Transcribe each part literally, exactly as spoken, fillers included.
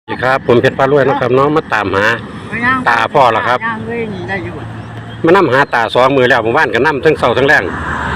สวัสดีครับผมเพชรปลารวยนะครับน้องมาตามหาตาพ่อแล้วครับมานั่หาตาสองมือแล้วผมว่านกันนั่ทั้งเสาทั้งแรง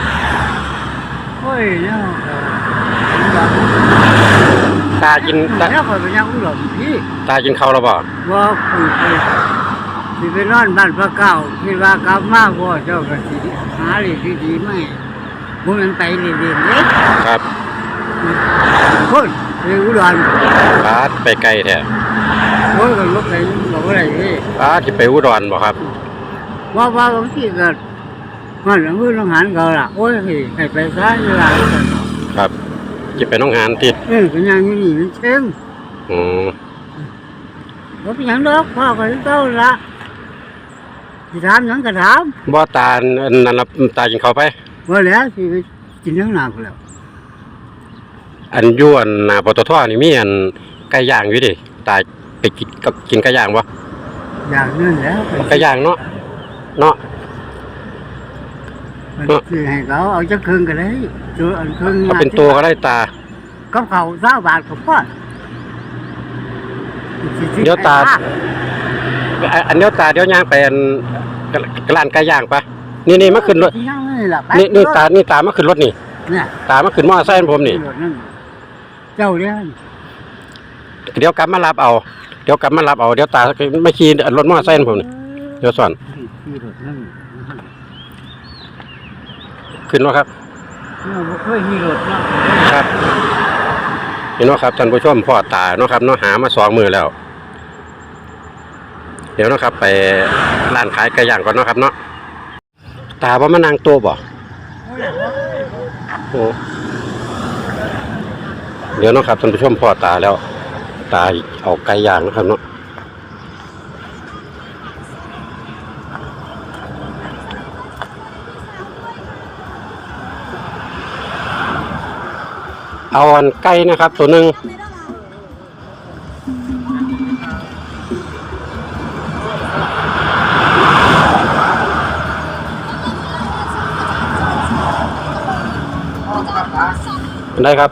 ตากินตาตากินข้าวแล้วบ่ว่าคุยไปสิไปนอนบ้านพระเก้าคิดว่ากลับมาพ่อเจ้าก็สิหาเลยดีๆไม่บ่มันไปเรื่อยๆเด้ครับคนไปอุดรปาดไปไกลแท้โอ้ยก็ลบไปบอกว่าอะไรนี่ปาดที่ไปอุดรบ่ครับว่าว่าบางทีก็มันมือน้องหานเขาล่ะโอ้ยให้ไปซะเวลาครับจะไปน้องหานติดเออเป็นอย่างนี้มันเชิงอือบ่เป็นหยังดอกพ่อก็เจ้าละสิถามหยังก็ถามบ่ตาอันนั้นล่ะตากินข้าวไปบ่แล้วสิไปกินทั้งน้ำแล้วอันยวนหน้าปตทนี่มีอันไก่ย่างอยู่ดิตาไปกินกับกินไก่ย่างบ่อย่างนั้นแล้วไก่ย่างเนาะเนาะมันคือให้เขาเอาจักครึ่งก็ได้ตัวอันครึ่งเอาเป็นตัวก็ได้ตากับเขาเก้าบาทก็พอเดี๋ยวตาอันเดี๋ยวตาเดี๋ยวย่างไปอันร้านไก่ย่างปะนี่นี่มาขึ้นรถนี่นี่ตานี่ตามาขึ้นรถนี่ตามาขึ้นมอเตอร์ไซค์ผมนี่เจ้าเนี่ยเดี๋ยวกลับมารับเอาเดี๋ยวกลับมารับเอาเดี๋ยวตาไม่ขี่รถมอเตอร์ไซค์ผมนี่เดี๋ยวสอนขึ้นว่าครับครับเห็นว่าครับท่านผู้ชมพ่อตาเนาะครับเนาะหามาสองมือแล้วเดี๋ยวนะครับไปร้านขายไก่ย่างก่อนเนาะครับเนาะตาว่ามันนางโตบ่โอ้เดี๋ยวนะครับท่านผู้ชมพ่อตาแล้วตาเอาไก่ย่างนะครับเนาะเอาอันไก่นะครับตัวหนึ่งได้ครับ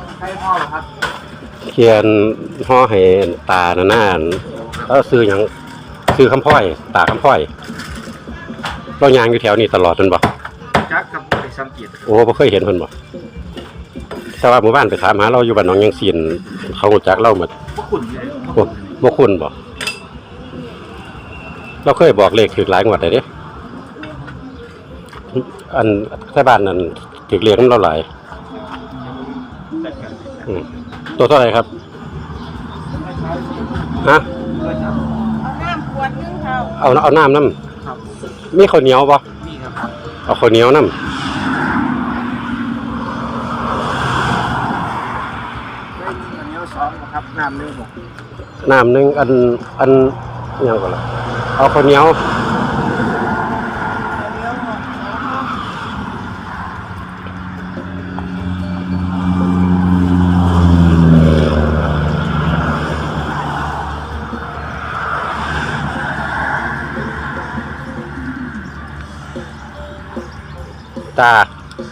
เขียนห่อให้ตาหน้าหน้าแล้วซื้ออย่างซื้อคำพ้อยตาคำพ้อยเรายางอยู่แถวนี้ตลอดจนบ่จักกับไปสังเกตโอ้บ่เคยเห็นเพิ่นบ่แต่ว่าหมู่บ้านไปถามหาเราอยู่บ้านหนองยังซีนเขารู้จักเราหมดบ่คุ้นเลยบ่บ่คุ้นบ่เราเคยบอกเลขถูกหลายงวดได้เด้อันใส่บ้านนั่นถูกเลขนำเราหลายอืมตัวเท่าไหร่ครับฮะเอาน้ำขวดนึงเท่าเอาเอาน้ำน้ำมีข้าวเหนียวบ่มีครับเอาข้าวเหนียวน้ำครับน้ำหนึ่งน้ำหนึ่งอันอันยังก่อนละเอาข้าวเหนียวตา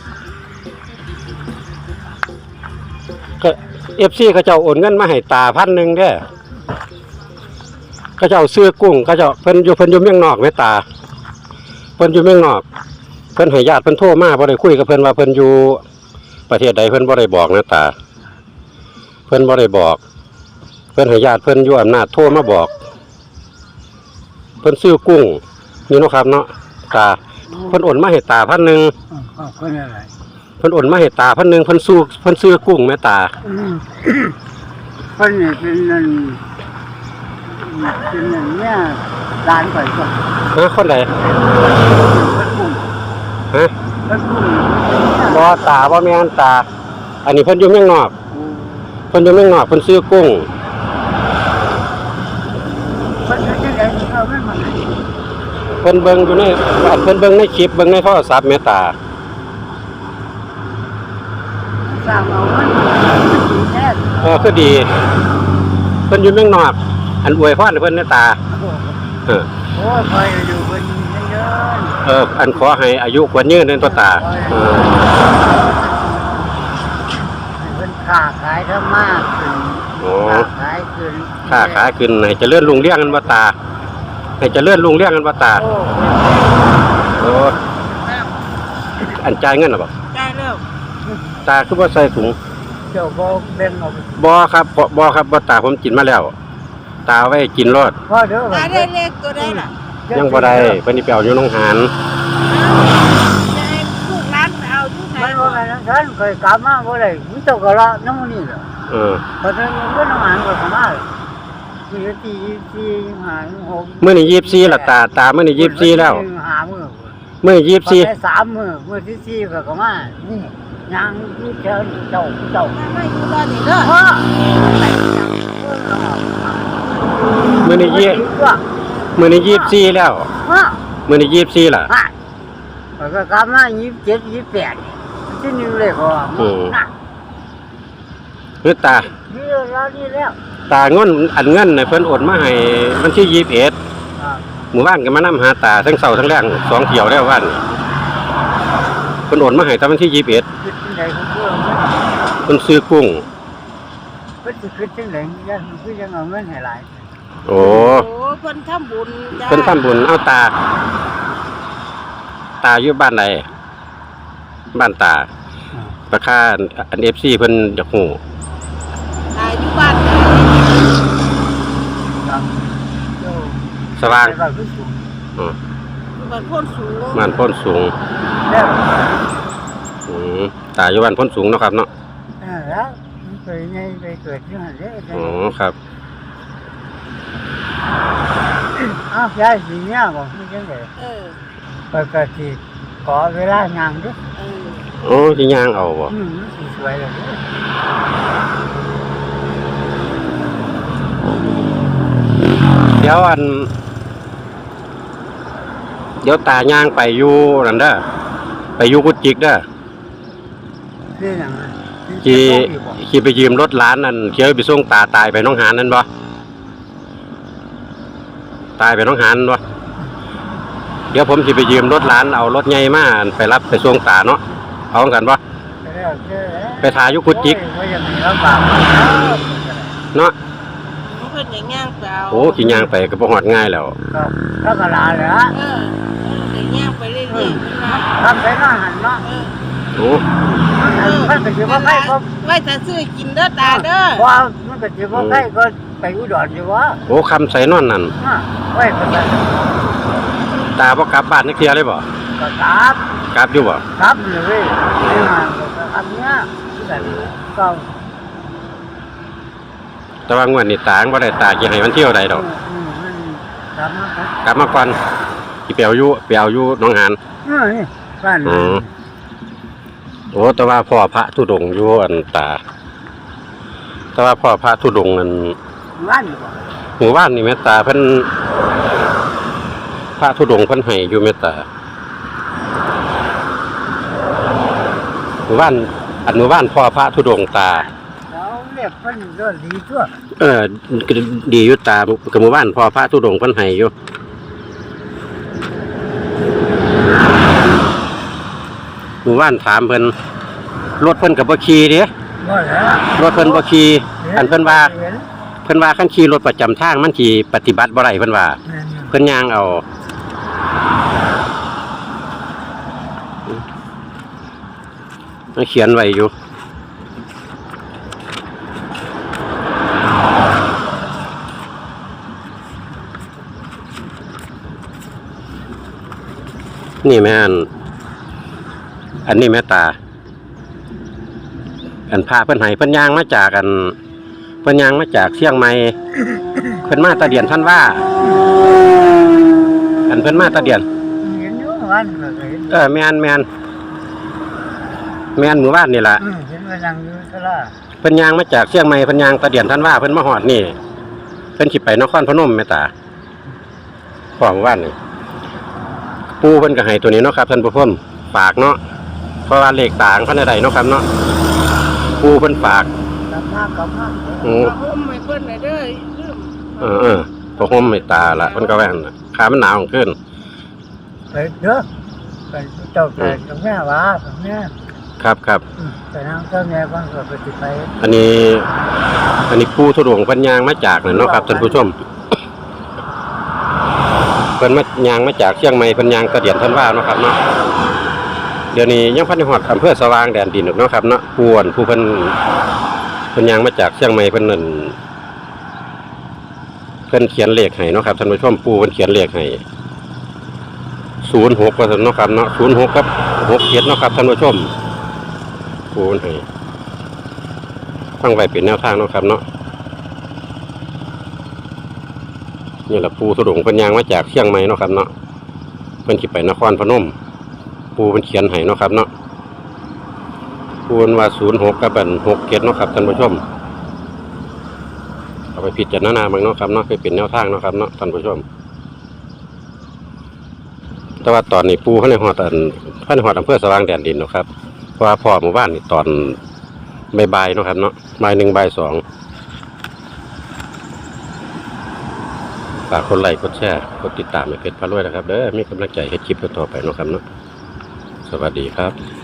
ก็เอฟซีเขาเจ้าโอนเงินมาให้ตาพันหนึ่งเด้อเขาเจ้าซื้อกุ้งเขาเจ้าเพิ่นอยู่เพิ่นอยู่เมืองนอกแม่ตาเพิ่นอยู่เมืองนอกเพิ่นให้ญาติเพิ่นโทรมาบ่ได้คุยกับเพิ่นว่าเพิ่นอยู่ประเทศใดเพิ่นบ่ได้บอกนะตาเพิ่นบ่ได้บอกเพิ่นให้ญาติเพิ่นอยู่อำนาจโทรมาบอกเพิ่นซื้อกุ้งนี่เนาะครับเนาะตาเพิ่นโอนมาให้ตาพันหนึ่งเพิ่นอะไรเพิ่นโอนมาให้ตาพันหนึ่งเพิ่นสู้เพิ่นซื้อกุ้งแม่ตาเพิ่นนี่เป็นนั่นเป็นนั่นเนี่ยร้านก่อยก่อนฮะคนใดฮะบ่ตาบ่แม่นตาอันนี้เพิ่นอยู่เมืองนอกเพิ่นอยู่เมืองนอกเพิ่นซื้อกุ้งเพิ่นจะได้เอาเงินมาให้เพิ่นเบิ่งอยู่ในเพิ่นเบิ่งในคลิปเบิ่งในโทรศัพท์แม่ตาสร้างเอาเงินแท้เออคือดีเพิ่นอยู่เมืองนอกอันอวยพรให้เพิ่นแม่ตาเออโอ้ยคอยอยู่เพิ่นเยอะเอออันขอให้อายุกว่ายืนนั่นตัวตาเออเพิ่นค้าขายทำมาค้าขายายขึ้นค้าขายขึ้นให้เจริญรุ่งเรืองกันบ่ตาให้เจริญรุ่งเรืองกันบ่ตาโอ้โอ้อันจ่ายเงินน่ะบ่ได้แล้วตาคือบ่ใส่ถุงเจ้าบ่แบ่งเอาบ่ครับบ่บ่ครับบ่ตาผมกินมาแล้ว ตาเอาไว้กินรอดพอเด้อได้ได้เลขตัวได้ล่ะยังบ่ได้เพิ่นสิไปเอาอยู่โรงหารจะให้ลูกร้านไปเอาทุกไหนมันบ่แม่นฉันเคยกลับมาบ่ได้มีเจ้าก็ละน้ำนี่แหละเออเพราะฉะนั้นมันก็น้ำมันก็เข้ามามีตีที่หาหกมื้อนี้ยี่สิบสี่ละตาตามื้อนี้ยี่สิบสี่แล้วหามื้อมื้อนี้ยี่สิบสี่พอได้สามมื้อมื้อที่สี่ก็เข้ามานี่ยังอยู่แถวเจ้าเจ้าไม่อยู่ตอนนี้เด้อพ่อมื้อนี้ยี่มื้อนี้ยี่สิบสี่แล้วพ่อมื้อนี้ยี่สิบสี่ล่ะฮะมันก็กลับมายี่สิบเจ็ดยี่สิบแปดที่หนึ่งเลยก็ว่าอืมน่ะคือตานี่แล้วนี่แล้วตาเงินอันเงินน่ะเพิ่นโอนมาให้วันที่ยี่สิบเอ็ดอ่าหมู่บ้านก็มานำหาตาทั้งเช้าทั้งแลงสองเที่ยวแล้ววันเพิ่นโอนมาให้ตอนวันที่ยี่สิบเอ็ดคิดจังไดก็คือเพิ่นซื้อกุ้งเพิ่นสิคิดจังไดยันคือยังเอาเงินให้หลายโอ้โอ้เพิ่นทำบุญจ้าเพิ่นทำบุญเอาตา ตาอยู่บ้านใดบ้านตาประค่าอัน เอฟ ซี เพิ่นอยากฮู้ตายอยู่บ้านไหนครับโยสว่างไปบ้านคือสูงอ๋อบ้านโพ้นสูงบ้านโพ้นสูงแล้วอืมตาอยู่บ้านโพ้นสูงเนาะครับเนาะเออแล้วมันเคยไงไปเกิดที่นั่นเด้ออ๋อครับอ้าวยายสิเนี่ยบ่มีจังได๋เออไปก็สิขอเวลางานเด้อเออโอ้สิย่างเอาบ่อืมมันสิสวยเลยเด้อเดี๋ยวอัน เดี๋ยวตาย่างไปอยู่นั่นเด้อไปอยู่กุจิกเด้อคือหยังอะขี่สิส่งอยู่บ่ขี่ไปยืมรถร้านนั่นเที่ยวไปส่งตาตายไปหน้องหานนั่นบ่ตายไปหน้องหานบ่เดี๋ยวผมสิไปยืมรถร้านเอารถใหญ่มาไปรับไปส่งตาเนาะเอากันบ่แล้วเด้อไปถ่ายอยู่กุจิกโอ้ยบ่อยากให้ลำบากเนาะเพิ่นอย่างย่างไปเอาโอ้ขี่ย่างไปก็บ่ฮอดง่ายแล้วครับก็กะลาแหละเออเดี๋ยวย่างไปเรื่อยๆเพิ่นว่าทำไปเนาะหันเนาะเออโอ้มันก็สิบ่ใครก็ไว้ถ้าซื้อกินเด้อตาเด้อว่ามันก็สิบ่ใครก็ไปอุดรอยู่ว่าโอ้คำใส่นอนนั่นฮะไว้ก็ได้ตาบ่กลับบ้านนักเที่ยเลยบ่ก็กราบกลับอยู่บ่กราบเลยเว้ยไอ้มันก็กราบเนี่ยแบบก็แต่ว่างวดนี้ตาบ่ได้ตาสิให้มันเที่ยวใดดอกอืมมันกราบมาครับกลับมาก่อนสิไปเอาอยู่ไปเอาอยู่หนองหานเออนี่บ้านอืม โอ้แต่ว่าพ่อพระธุดงค์อยู่อันตา แต่ว่าพ่อพระธุดงค์นั่นบ้านบ่หมู่บ้านนี่แม่ตาเพิ่นพระธุดงค์เพิ่นให้อยู่แม่ตาหมู่บ้านอันหมู่บ้านพ่อพระธุดงค์ตาเขาเรียกเพิ่นก็ดีทั่วเออก็ดีอยู่ตากับหมู่บ้านพ่อพระธุดงค์เพิ่นให้อยู่หมู่บ้านถามเพิ่นรถเพิ่นก็บ่ขี่เด้บ่แล้วรถเพิ่นบ่ขี่อันเพิ่นว่าเห็นเพิ่นว่าคันขี่รถประจำทางมันสิปฏิบัติบ่ได้เพิ่นว่าแม่นอยู่เพิ่นย่างเอามันเขียนไว้อยู่นี่แม่นอันนี้แม่ตา อันพาเพิ่นให้เพิ่นย่างมาจากอันเพิ่นย่างมาจากเชียงใหม่ เพิ่นมาตะเดียนท่านว่า อันเพิ่นมาตะเดียนเห็นอยู่บ้านก็เห็นเออแม่นแม่นแม่นหมู่บ้านนี่ล่ะอืมเห็นว่านั่งอยู่ตลาดเพิ่นย่างมาจากเชียงใหม่เพิ่นย่างตะเดียนท่านว่าเพิ่นมาฮอดนี่เพิ่นสิไปนครพนมแม่ตาพ่อหมู่บ้านนี่ปู่เพิ่นก็ให้ตัวนี้เนาะครับท่านผู้ชมฝากเนาะเพราะว่าเลขต่างเพิ่นได้เนาะครับเนาะปู่เพิ่นฝากกลับมากลับมาอือเอาห่มให้เพิ่นหน่อยเด้อลืมเออเออพอห่มไม่ตาละมันก็แว่นน่ะขามันหนาวขึ้นไปเด้อไปเจ้าแต่ตรงแม่ว่าตรงแม่ครับครับแต่นั่งเจ้าแม่บ้างก็ไปสิไปอันนี้ อันนี้ปูทุดงค์เพันยางมาจากนั่นเนาะครับท่านผู้ชมเพิ่นมายางมาจากเชียงใหม่เพิ่นยางกระเดียนท่านว่าเนาะครับเนาะเดี๋ยวนี้ยังพันในฮอดอำเภอสว่างแดนดินเนาะครับเนาะผู้อ่อนผู้เพิ่นเพิ่นยางมาจากเชียงใหม่เพิ่นนั่นเพิ่นเขียนเลขให้เนาะครับท่านผู้ชมปูเพิ่นเขียนเลขให้ศูนย์หกว่าซั่นเนาะครับเนาะศูนย์หกกับหกเจ็ดเนาะครับท่านผู้ชมปูเพิ่นให้ฟังไว้เป็นแนวทางเนาะครับเนาะนี่แหละปูทุดงค์เพิ่นยางมาจากเชียงใหม่เนาะครับเนาะเพิ่นสิไปนครพนมปูเพิ่นเขียนให้เนาะครับเนาะปูเพิ่นว่าศูนย์หกกับอันหกเจ็ดเนาะครับท่านผู้ชมเอาไปพิจารณาเบิ่งเนาะครับเนาะคือเป็นแนวทางเนาะครับเนาะท่านผู้ชมแต่ว่าตอนนี้ปูเพิ่นได้ฮอดอันเพิ่นได้ฮอดอำเภอสว่างแดนดินเนาะครับเพราะว่าพ่อหมู่บ้านนี่ตอนบ่ายๆเนาะครับเนาะบ่ายหนึ่งบ่ายสองฝากคนไลค์กดแชร์กดติดตามให้เพจพารวยนะครับเด้อมีกำลังใจให้คลิปต่อไปเนาะครับเนาะสวัสดีครับ